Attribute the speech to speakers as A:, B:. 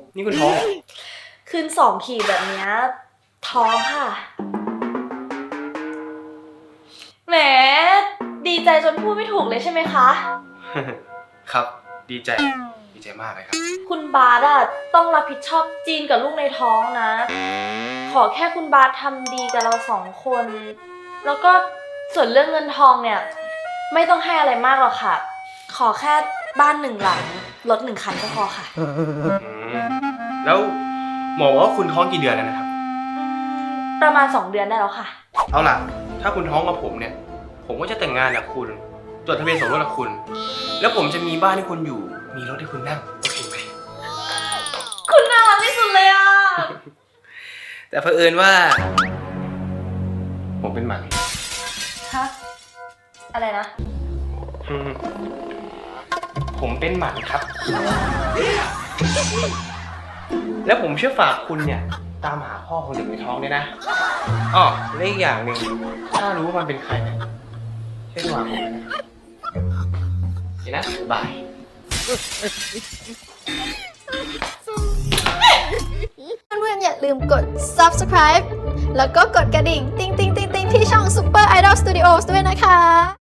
A: นี่คุณท้องเหรอ
B: คืน2 ขีดแบบเนี้ยท้องค่ะ แหม ดีใจจนพูดไม่ถูกเลยใช่ไหมคะ
A: ครับ ดีใจมากเลยครับ
B: คุณบาสอะต้องรับผิดชอบจีนกับลูกในท้องนะ ขอแค่คุณบาสทำดีกับเรา2 คน แล้วก็ส่วนเรื่องเงินทองเนี่ย ไม่ต้องให้อะไรมากหรอกค่ะ ขอแค่บ้าน1 หลัง รถ1 คันก็พอค่ะ
A: แล้วหมอบอกว่าคุณท้องกี่เดือนแล้วนะครับ
B: ประมาณ2 เดือนได้แล้วค่ะ
A: เอาล่ะ ถ้าคุณท้องกับผมเนี่ย ผมก็จะแต่งงานกับคุณ จดทะเบียนสมรสกับคุณ แล้วผมจะมีบ้านให้คุณอยู่ มีรถให้คุณนั่ง โอเคไหม
B: คุณน่ารักที่สุดเลยอะ
A: แต่เผอิญว่า ผมเป็นหมัน
B: ฮะ อะไรนะ
A: ผมเป็นหมันครับ แล้วผมเชื่อฝากคุณเนี่ย ตามหาพ่อของเด็กในท้องเนี่ยนะอ๋อและอีกอย่างหนึ่งถ้ารู้ว่ามันเป็นใครเนี่ยช่วยโทรหาผมเลยนะเห็นนะบาย
C: เพื่อนๆอย่าลืมกด subscribe แล้วก็กดกระดิ่ง ติ๊งๆๆๆที่ช่อง Super Idol Studios ด้วยนะคะ